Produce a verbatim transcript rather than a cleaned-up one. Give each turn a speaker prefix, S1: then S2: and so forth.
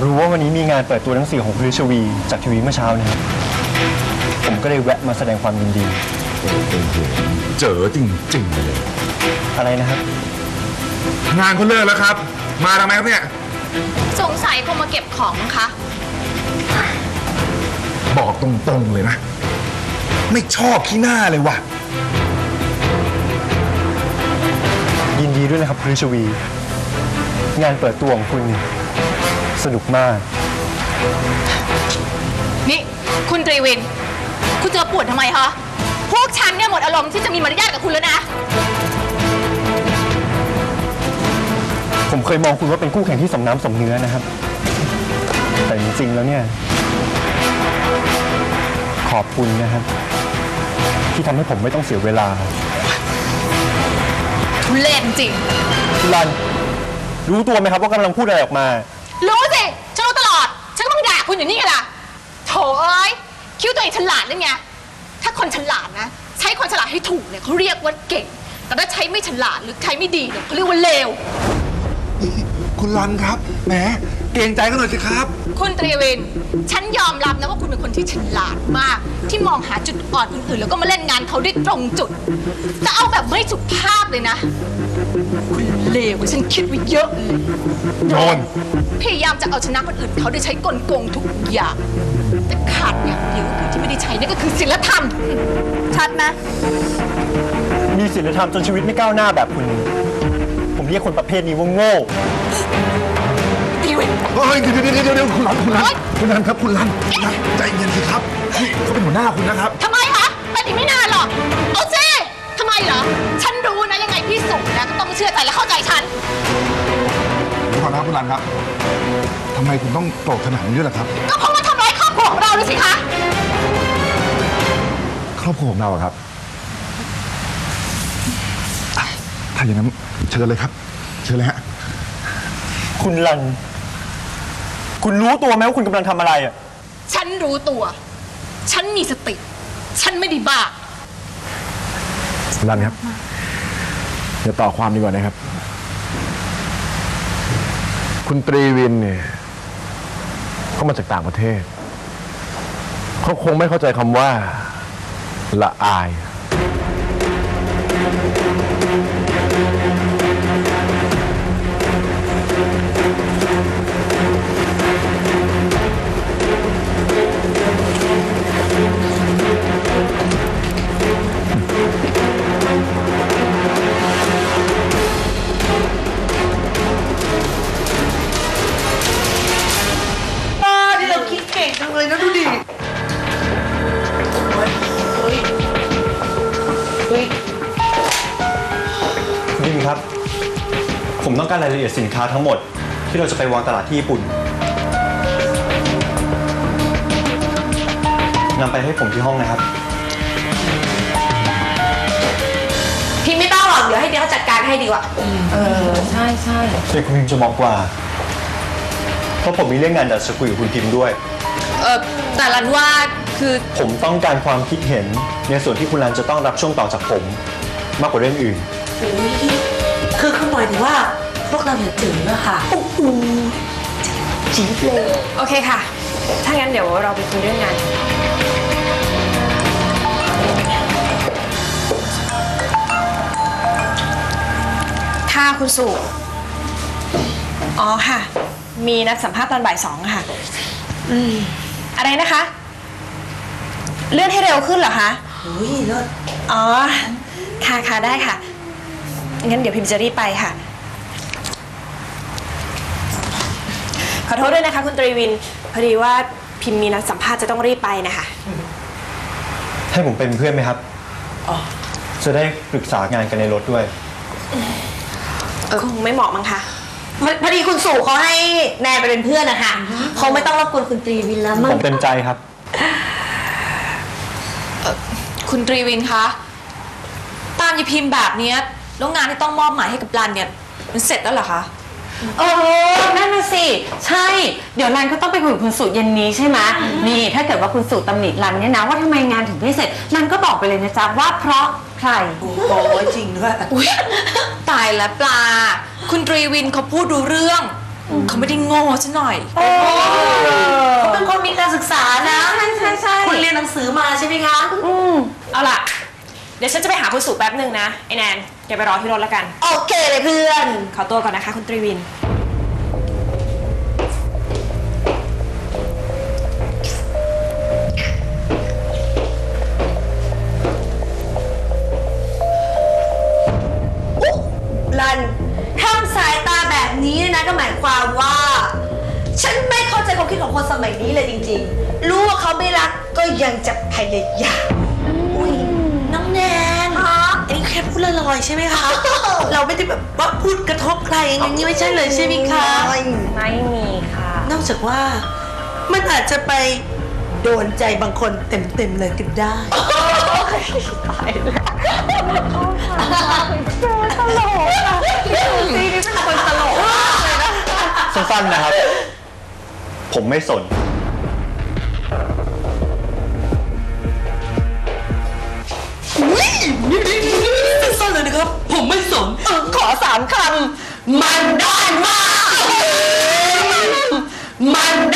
S1: รู้ว่าวันนี้มีงานเปิดตัวหนังสือของพฤชวีจากทีวีเมื่อเช้านี้ผมก็เลยแวะมาแสดงความยินดี
S2: เจอจริงๆเลย
S1: อะไรนะครับ
S2: งานเขาเลิกแล้วครับมาทำไมครับเนี่ย
S3: สงสัยคงมาเก็บของมั้งคะ
S2: บอกตรงๆเลยนะไม่ชอบขี้หน้าเลยว่ะ
S1: ยินดีด้วยนะครับพฤชวีงานเปิดตัวของคุณสนุกมาก
S3: นี่คุณตรีวินคุณเจอปวดทำไมคะพวกฉันเนี่ยหมดอารมณ์ที่จะมีมารยาทกับคุณแล้วนะ
S1: ผมเคยมองคุณว่าเป็นคู่แข่งที่สมน้ำสมเนื้อนะครับแต่จริงๆแล้วเนี่ยขอบคุณนะครับที่ทำให้ผมไม่ต้องเสียเวลา
S3: ทุเรศจริง
S1: คุณรันรู้ตัวไหมครับว่ากำลังพูดอะไรออกมา
S3: รู้สิฉันรู้ตลอดฉันก็เพิ่งด่าคุณอยู่นี่ไงล่ะโถเอ้ยคิดว่าตัวเองฉลาดนั่นไงถ้าคนฉลาดนะใช้คนฉลาดให้ถูกเนี่ยเขาเรียกว่าเก่งแต่ถ้าใช้ไม่ฉลาดหรือใช้ไม่ดีเนี่ยเขาเรียกว่าเลว
S2: คุณรันครับแหมเกรงใจกันหน่อยสิครับ
S3: คุณตรีวินฉันยอมรับนะว่าคุณเป็นคนที่ฉลาดมากที่มองหาจุดอ่อนคนอื่นแล้วก็มาเล่นงานเขาได้ตรงจุดแต่เอาแบบไม่สุภาพเลยนะคุณเลวกว่าฉันคิดไว้เยอะเลย
S2: โดน
S3: พยายามจะเอาชนะคนอื่นเขาโดยใช้กลโกงทุกอย่างแต่ขาดอย่างเดียวก็คือที่ไม่ได้ใช้นั่นก็คือศีลธรรมชัดไหม
S1: มีศีลธรรมจนชีวิตไม่ก้าวหน้าแบบคุณผมเรียกคนประเภทนี้ว่าโง่
S2: เฮ้ยเดี๋ยวเดี๋ยวเดี๋ยวคุณรันคุณรันคุณรันครับคุณรันคุณรันใจเย็นสิครับนี่เขาเป็นหัวหน้าคุณนะครับ
S3: ทำไมคะเป็นอีกไม่นานหรอกเอาซิทำไมเหรอฉันรู้นะยังไงพี่สุนะก็ต้องเชื่อใจและเข้าใจฉัน
S2: ขอโทษนะคุณรันครับทำไมคุณต้องโกรธขนาดนี้ด้วยล่ะครับ
S3: ก็เพราะว่าทำร้ายครอบครัวของเราเลยสิคะ
S2: ครอบครัวของเราครับถ้าอย่างนั้นเชิญเลยครับเชิญเลยฮะ
S1: คุณรันคุณรู้ตัวไหมว่าคุณกำลังทำอะไรอ่ะ
S3: ฉันรู้ตัวฉันมีสติฉันไม่ได้บ้า
S2: รันครับเดี๋ยวต่อความดีกว่านะครับคุณตรีวินเนี่ยเขามาจากต่างประเทศเขาคงไม่เข้าใจคำว่าละอาย
S4: เลยนะดูดิ
S1: คุณดิมครับผมต้องการรายละเอียดสินค้าทั้งหมดที่เราจะไปวางตลาดที่ญี่ปุ่นนำไปให้ผมที่ห้องนะครับ
S3: พิมไม่ต้องหรอกเดี๋ยวให้เดี๋ยวจัดการให้ดีกว่า
S4: เออใช่ใช่
S1: เด็กคุณพิมจะมองกว่าเพราะผมมีเรื่องงานอยากจะคุยกับคุณพิมด้วย
S3: เออแต่รันว่าคือ
S1: ผมต้องการความคิดเห็นในส่วนที่คุณรันจะต้องรับช่วงต่อจากผมมากกว่าเรื่องอื่น
S4: คือคือหมายถึงว่าพวกเราอย่าจืดนะคะโอ้โหจี๊ดเลย
S3: โอเคค่ะถ้างั้นเดี๋ยวเราไปคุยเรื่องงานค่ะคุณสุอ๋อค่ะมีนัดสัมภาษณ์ตอนบ่ายสองค่ะอืมอะไรนะคะเลื่อนให้เร็วขึ้นเหรอคะ
S4: เฮ้ยเลิศ
S3: อ๋อค่ะค่ะได้ค่ะงั้นเดี๋ยวพิมจะรีบไปค่ะขอโทษด้วยนะคะคุณตรีวินพอดีว่าพิมมีนัดสัมภาษณ์จะต้องรีบไปนะคะ
S1: ให้ผมเป็นเพื่อนไหมครับอ๋อจะได้ปรึกษางานกันในรถด้วย
S3: คงไม่เหมาะมั้งคะ
S4: พอดีคุณสุเขาให้แนนไปเป็นเพื่อนนะคะเขาไม่ต้องรบกวนคุณตรีวินแล้วมั้ง
S1: ผมเต็มใจครับ
S3: คุณตรีวินคะตามยายพิมพ์แบบนี้แล้วงานที่ต้องมอบหมายให้กับรันเนี่ยมันเสร็จแล้วเหรอคะ
S4: เออนั่นน่ะสิใช่เดี๋ยวรันก็ต้องไปคุยกับคุณสุเย็นนี้ใช่ไหมนี่ถ้าเกิดว่าคุณสุตำหนิรันเนี่ยนะว่าทำไมงานถึงไม่เสร็จรันก็บอกไปเลยนะจ๊ะว่าเพราะใคร
S3: โอ้ยจริงด้วยตายแล้วปลาคุณตรีวินเขาพูดรู้เรื่อง
S5: เขาไม่ได้โง่ซะหน่อย
S6: เขาเป็นคนมีการศึกษานะ
S4: ใช่ใช่ใช่
S6: คุณเรียนหนังสือมาใช่ไหมคะ
S4: อืม
S5: เอาล่ะ เดี๋ยวฉันจะไปหาคุณสุแป๊บหนึ่งนะ ไอแนนแกไปรอที่รถแล้วกัน
S6: โอเคเลยเพื่อน
S5: ขอตัวก่อนนะคะคุณตรีวิน
S6: รันทำสายตาแบบนี้เนี่ยนะก็หมายความว่า ฉันไม่เข้าใจความคิดของคนสมัยนี้เลยจริงๆ รู้ว่าเขาไม่รักก็ยังจะพยายามอุ้ยน้องแนนอันนี้แค่พูดลอยๆใช่ไหมคะ เราไม่ได้แบบว่าพูดกระทบใครอย่างนี้ไม่ใช่เลยใช่ไหมคะ
S4: ไม่มีค่ะ
S6: นอกจากว่ามันอาจจะไปโดนใจบางคนเต็มๆเลยก็ได้
S1: สั้นๆนะครับ ผมไม่สน
S6: สั้นๆเลยนะครับ ผมไม่สน
S4: ขอสามคำ มันด้านมาก มัน